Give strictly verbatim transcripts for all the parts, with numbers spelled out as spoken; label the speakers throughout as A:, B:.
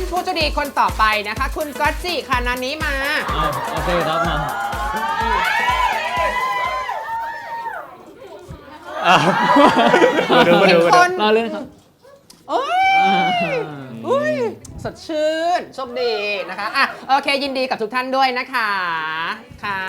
A: ผู้โชคดีคนต่อไปนะคะ คุณก๊อตจิค่ะนันนี้มา
B: โอเคครับมา
C: มาดูมาดูมาดู
B: เราเล่นครับ
A: โอ้ยอุ้ยสดชื่นโชคดีนะคะอ่ะโอเคยินดีกับทุกท่านด้วยนะคะค่ะ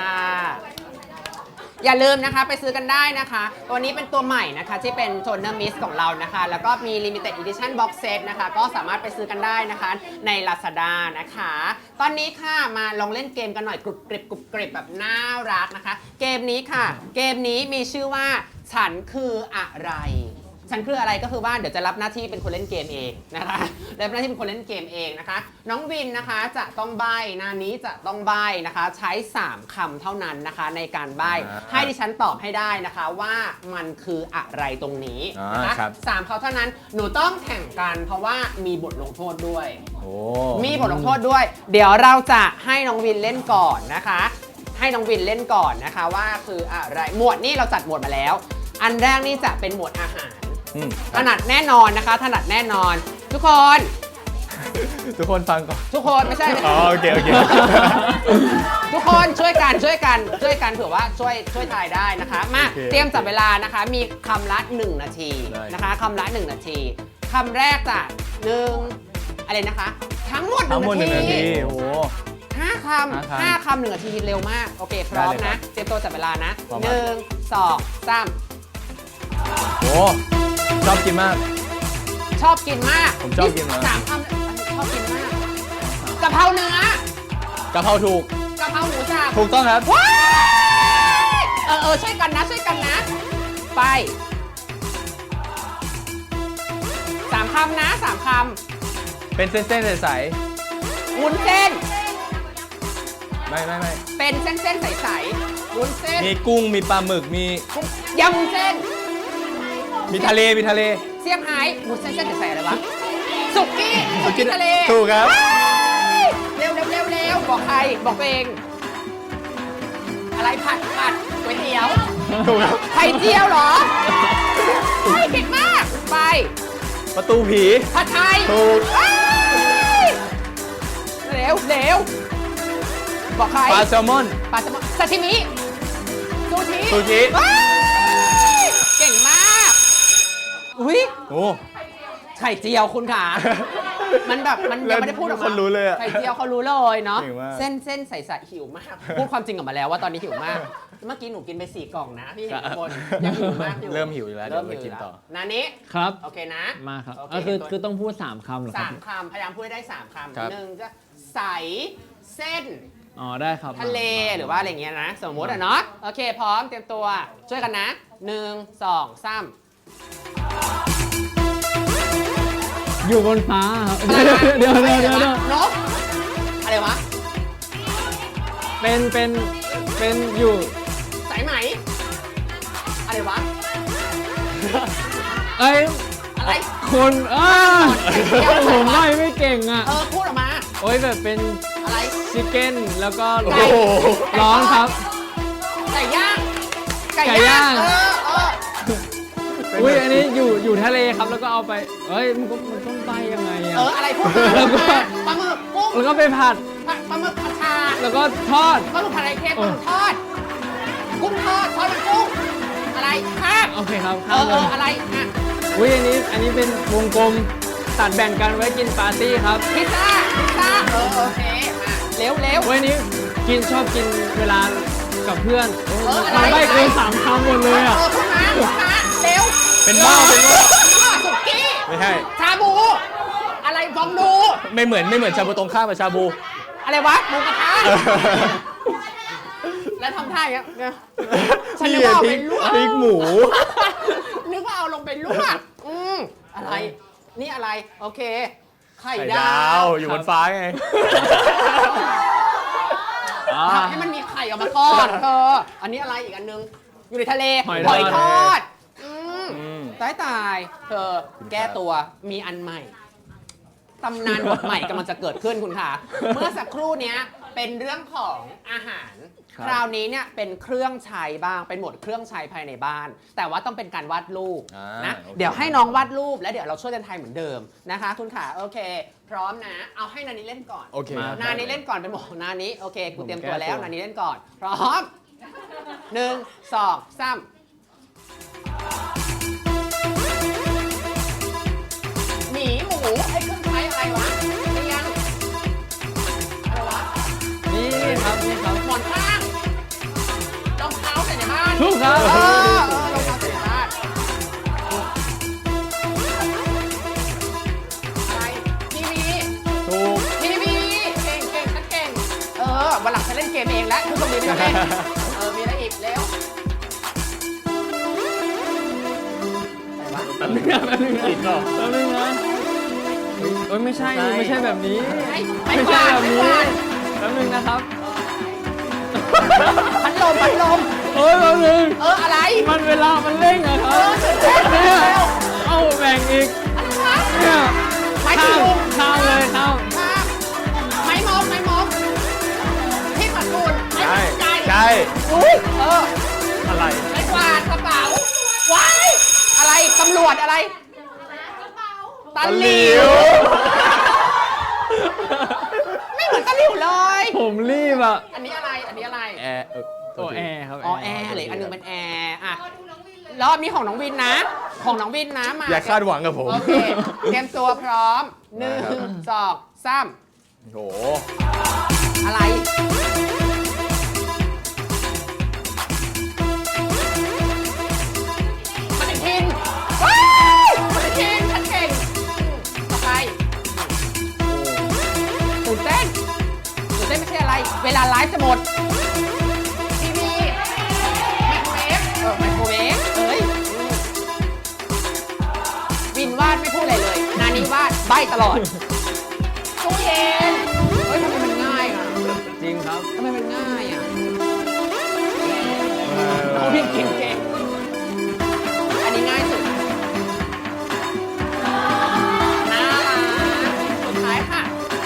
A: อย่าลืมนะคะไปซื้อกันได้นะคะตัวนี้เป็นตัวใหม่นะคะที่เป็นโทนเนอร์มิสของเรานะคะแล้วก็มี Limited Edition Box Set นะคะก็สามารถไปซื้อกันได้นะคะใน Lazada นะคะตอนนี้ค่ะมาลองเล่นเกมกันหน่อยกรุบกริบกรุบกริบแบบน่ารักนะคะเกมนี้ค่ะเกมนี้มีชื่อว่าฉันคืออะไรฉันคืออะไรก็คือว่าเดี๋ยวจะรับหน้าที่เป็นคนเล่นเกมเองนะคะรับหน้าที่เป็นคนเล่นเกมเองนะคะน้องวินนะคะจะต้องใบ้หน้านี้จะต้องใบ้นะคะใช้สามคำเท่านั้นนะคะในการใบ้ให้ดิฉันตอบให้ได้นะคะว่ามันคืออะไรตรงนี้นะคะสามคำเท่านั้นหนูต้องแข่งกันเพราะว่ามีบทลงโทษด้วยมีบทลงโทษด้วยเดี๋ยวเราจะให้น้องวินเล่นก่อนนะคะให้น้องวินเล่นก่อนนะคะว่าคืออะไรหมวดนี่เราจัดหมวดมาแล้วอันแรกนี่จะเป็นหมวดอาหารถนัดแน่นอนนะคะถนัดแน่นอนทุกคน
C: ทุกคนฟังก่อน
A: ทุกคนไม่ใช่
C: อ๋อโอเคโอเค
A: ทุกคนช่วยกันช่วยกันช่วยกันเผื่อว่าช่วยช่วยทายได้นะคะมาเตรียมจับเวลานะคะมีคำละหนึ่งนาทีนะคะคำละหนึ่งนาทีคำแรกจะหนึ่งอะไรนะคะทั้งหมดหนึ่งนาที
C: โอ้
A: ห้าคำห้าคำหนึ่งนาทีเร็วมากโอเคพร้อมนะเตรียมตัวจับเวลานะหนึ่งสองสาม
C: โอ้ชอบกินมาก
A: ชอบกินมาก
C: ผมชอบกินมาก
A: สามคำชอบกินมากกะเพราเนื้อก
C: ะเพราถูก
A: กะเพราหมูสับ
C: ถูกต้องครับ
A: ว้ายเออเออช่วยกันนะช่วยกันนะไปสามคำนะสามค
C: ำเป็นเส้นๆใส
A: ๆวุ้นเส้น
C: ไม่ไม่ไม่
A: เป็นเส้นๆใสๆวุ้นเส้น
C: มีกุ้งมีปลาหมึกมี
A: ยำวุ้นเส้น
C: มีทะเลมีทะเล
A: เซี่ยงไฮ้วุ้นเส้นเส้นใสๆอะไรวะสุกี้สุกี้ทะเล
C: ถูกครับ
A: เร็วเร็วเร็วเร็วบอกใครบอกตัวเองอะไรผัดผัดก๋วยเตี๋ยว
C: ถูกครับ
A: ไข่เจียวเหรอเฮ้ยเก่งมากไป
C: ประตูผี
A: ผัดไทย
C: ถูก
A: เร็วเร็วบอกใคร
C: ปลาแซลมอน
A: ปลาแซลมอนซาชิมิซูชิ
C: ซูชิ
A: เก่งมากอุ้ย
C: โอ้
A: ไข่เจียวคุณขามันแบบมันยังไม่ได้พูดออกมาไข่เจียวเขารู้เลยเนาะเส้นเส้นใสๆหิวมากพูดความจริงออกมาแล้วว่าตอนนี้หิวมากเมื่อกี้หนูกินไปสี่กล่องนะพี่เห็นทุกคนยังหิวมากอยู่
C: เริ่มหิวแล้วเริ่มกินต่อ
A: นานี้
B: ครับ
A: โอเคนะ
B: มาครับคือคือต้องพูดสามคำหรอครับ
A: สามคำพยายามพูดได้สามคำหนึ่งจะใสเส้น
B: อ๋อได้ครับ
A: ทะเลหรือว่าอะไรเงี้ยนะสมมติอ่ะเนาะโอเคพร้อมเตรียมตัวช่วยกันนะหนึ่งสองสาม
B: อยู่บนฟ้าครับเดี๋ยวเดี๋ยวเดี๋ยวเดี๋ยวน
A: กอะไรวะ
B: เป็นเป็นเป็นอยู่
A: สายไหมอะไรวะ
B: เอ้ย
A: อะไร
B: คนอ่าผมไม่ไม่เก่งอ่ะ
A: เออพูดออกมา
B: โอ้ยแบบเป็น
A: อะไร
B: ชิคเก้นแล้วก็ร้อนครับ
A: ไก่ย่าง
B: ไก่ย่างอุ้ยอันนี้อยู่อยู่ทะเลครับแล้วก็เอาไปเอ้ยมันก็มันต้องไปยังไงอะ
A: เอออะไรพูดมาแล้วก็ปลาหมึกกุ้ง
B: แล้วก็ไปผัด
A: ปลาหมึกผัดชา
B: แล้วก็ทอด
A: ปลาหมึกผัดไข่เค็มปลาหมึกทอดกุ้งทอดทอดมันกุ้งอะไรครับ
B: โอเคครับ
A: เออเอออะไรอ่ะ
B: อุ้ยอันนี้อันนี้เป็นวงกลมตัดแบ่งกันไว้กินปาร์ตี้ครับ
A: พิซซ่าพิซซ่าเออโอเคมาเร็วเร็ว
B: วันนี้กินชอบกินเวลากับเพื่อนมันไม่เกินสามคำหมดเลยอ่ะ
A: เออขึ้นมาขึ้นมาเร็ว
C: เป็นบ้าเป็นบ้า
A: สุกี้
C: ไม่ใช่
A: ชาบูอะไรฟองดู
C: ไม่เหมือนไม่เหมือนชาบูตรงข้ามกับชาบู
A: อะไรวะหมูกระทะแล้วทำท่าอย่างเงี้ยฉันนึกว่าเอาไปลวก
C: พริกหมู
A: นึกว่าเอาลงไปลวกอืมอะไรนี่อะไรโอเคไข่ด
C: าวอยู่บนฟ้าไง
A: ทำให้มันมีไข่ออกมาก่อนเธออันนี้อะไรอีกอันนึงอยู่ในทะเลหอยทอดตายตายเธอแก้ตัวมีอันใหม่ตำนานบทใหม่กำลังจะเกิดขึ้นคุณค่ะเมื่อสักครู่นี้เป็นเรื่องของอาหาร
C: ครับ
A: คราวนี้เนี่ยเป็นเครื่องใช้บ้าง เป็นหมวดเครื่องใช้ภายในบ้าน แต่ว่าต้องเป็นการวาดรูป
C: อ่า
A: นะ
C: โอเค
A: เดี๋ยวให้น้องวาดรูปแล้วเดี๋ยวเราช่วยกันทายเหมือนเดิมนะคะ คุณขาโอเค พร้อมนะ เอาให้นานี้เล่นก่อน
C: โอเค
B: มา
A: นานี้เล่นก่อนเป็นหมวดของนานี้โอเค กูเตรียมตัวแล้ว
B: ผมแก้ตัว
A: นานี้เล่นก่อน พร้อมหนึ่งสองสามหมีหมูไอ้เครื่องใช้อะไรวะเรียงอะไรวะ
B: นี่ครับนี่ครับ
A: หมอนข้างรองเท้าใส่ในบ้าน
B: ถูกครับ
A: เออเออรองเท้าใส่ในบ้านอะไรทีวี
C: ถูก
A: ทีวีเก่งเก่งฉันเก่งเออวันหลังฉันเล่นเกมเองแล้วคุณต้องมีไม่ต้องเล่นเออมีอะไรอีกเร็วอะไรวะ
B: แป๊บนึงนะแป๊บนึงนะ
C: ติดเหรอ
B: แป๊บนึงนะเฮ้ยเอ้ยไม่ใช่นี่ไม่ใช่แบบนี้
A: ไม่
B: ไม่
A: ไม่
B: ใช่
A: วาด
B: แบบ
A: ไม่
B: นี้
A: วาด
B: แป๊บนึงนะครับ
A: พัดลมพัดลม
B: เอ้ยแป๊บนึง
A: เอออะไร
B: มันเวลามันเร่งอะค
A: เอ
B: รับ
A: อตื่นเต้น
B: เนี่ย
A: เร็ว
B: เอาแบ่งอีก
A: อะไรวะ
B: เนี่ย
A: ไม้
B: ข้า
A: ตี
B: ม
A: ลุง
B: ข้ามเลยข้าม
A: ครับไม้มอกไม้มอกที่ปัดฝุ่นไม้
C: ใช่
A: ปัดไก่
C: ใช่
A: อุ้ยเออ
C: อะไร
A: ไม้กวาดกระเป๋าว้ายอะไรตำรวจอะไรตะหลิวไม่เหมือนตะหลิวเลย
B: ผมรีบอะ
A: อันนี้อะไรอันนี้อะไร
C: แอร์เออ
B: โอ้แอร์ครับ
A: อ๋อแอร์เลยอันหนึงเป็นแอร์อ่ะรอบนี้ของน้องวินนะ ของน้องวินนะมา
C: อย่าคาดหวังกับผม
A: โอเคเตรียมตัวพร้อมหนึ่งสองสาม
C: โห
A: อะไรปฏิทินว้ายปฏิทินฉันเก่งต่อไปตื่นเต้นตื่นเต้นไม่ใช่อะไร เวลาไลฟ์จะหมด ทีวีไมโครเวฟเออไมโครเวฟเอ้ยวินวาดไม่พูดอะไรเลย นานี้วาดใบ้ตลอดตู้เย็นเฮ้ยทำไมมันง่ายอ่ะ
B: จริงครับ
A: ทำไมมันง่ายอ่ะน้องวิ่งเก่งๆอันนี้ง่ายสุดน่ารักสุดท้ายค่ะ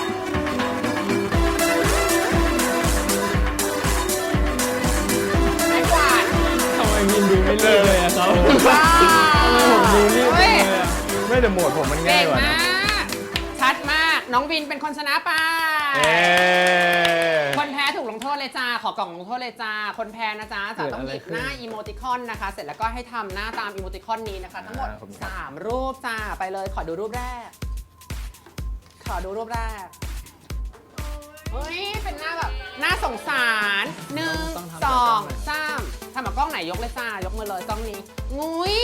A: ไม้กวาด
B: ทำไมวินดูไม่รีบเลยอะครับ
A: ว้าว
B: ทำไมผมดูรีบจัง
A: เฮ้
B: เลย ยอะ
C: ไม่แต่โหมดผมมันง่า
A: เก่
C: ย
A: ง
C: กว่า
A: มา
C: นะ
A: ก ชัดมาก น้องวินเป็นคนชนะไป
C: เอ๊ะ
A: คนแพ้ถูกลงโทษเลยจ้า ขอกล่องลงโทษเลยจ้า คนแพ้นะจ๊ะจะต้องหยิบหน้าอีโมติคอนนะคะ เสร็จแล้วก็ให้ทำหน้าตามอีโมติคอนนี้นะคะ ทั้งหมด สาม รูปจ้า ไปเลย ขอดูรูปแรก ขอดูรูปแรก เฮ้ย เป็นหน้าแบบน่าสงสารหนึ่ง
B: ต้องทำ
A: สอง
B: แบบกล้องไหน
A: สามทำกับกล้องไหนยกเลยจ้ายกมือเลยกล้องนี้ งุ้ย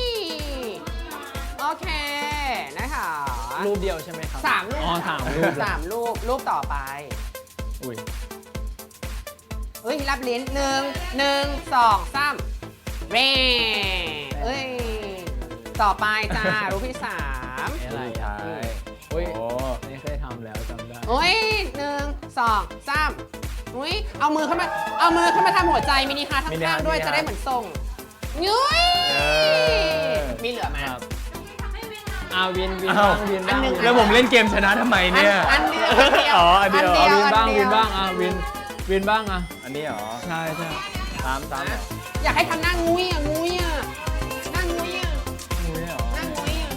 A: โอเค นะคะ
B: รูปเดียวใช่ไหมครับ
A: สามรูป
B: อ๋อสามรูป
A: สามรูป รูปต่อไป
B: อุ้ย
A: เฮ้ย รับลิ้นหนึ่งหนึ่งสองสามเร่เอ้ย ต่อไปจ้า รูปที่สาม
B: อะไร
C: สุด
B: อ่ะ
C: ท้าย
B: อุ้ย
C: โอ้
B: นี่เคยทำแล้วจำได้
A: โอ้ยหนึ่งสองสามอุ้ย เอามือขึ้นมา เอามือขึ้นมาทำหัวใจมินิฮาร์ทข้างๆด้วยจะได้เหมือนทรงยุ้ย
C: เออ
A: มีเหลือไหม
B: ครับอาวินวิน
C: อ้า
B: บ้าว งวินบ้าง
A: อันหนึ่ง
C: แล้วผมเล่นเกมชนะทำไมเนี่ย
A: อันเดียวอันเดียว
C: อ๋ออันเดียว
B: เอาวินบ้าง
A: อั
B: วินบ้างอ่ะวินวินบ้างอ่ะ
C: อันนี้เหรอ
B: ใช่ใช่
C: ตามตามเหรอ
A: อยากให้ทำหน้างุ้ยอ่ะงุ้ยอ่ะหน้างุ้ยอ่ะ
B: อุ้ยเหรอ
A: หน้างุ้ยอ่ะ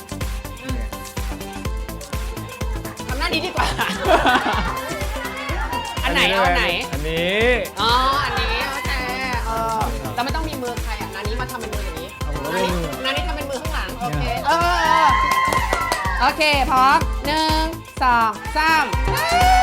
A: ทำหน้านี้ดีกว่า อันไหนเอาอันไหน
C: อันนี้
A: อ๋อ อันนี้โอเคเออเราไม่ต้องมีมือใครอ่ะนานี้มาทำเป็นมืออย่างนี้
B: เอาผม
A: นา
B: ไม่
A: นี้
B: มือ
A: นานี้ทำเป็นมือข้างหลัง โอเค เออเออโอเค พร้อมหนึ่งสองสาม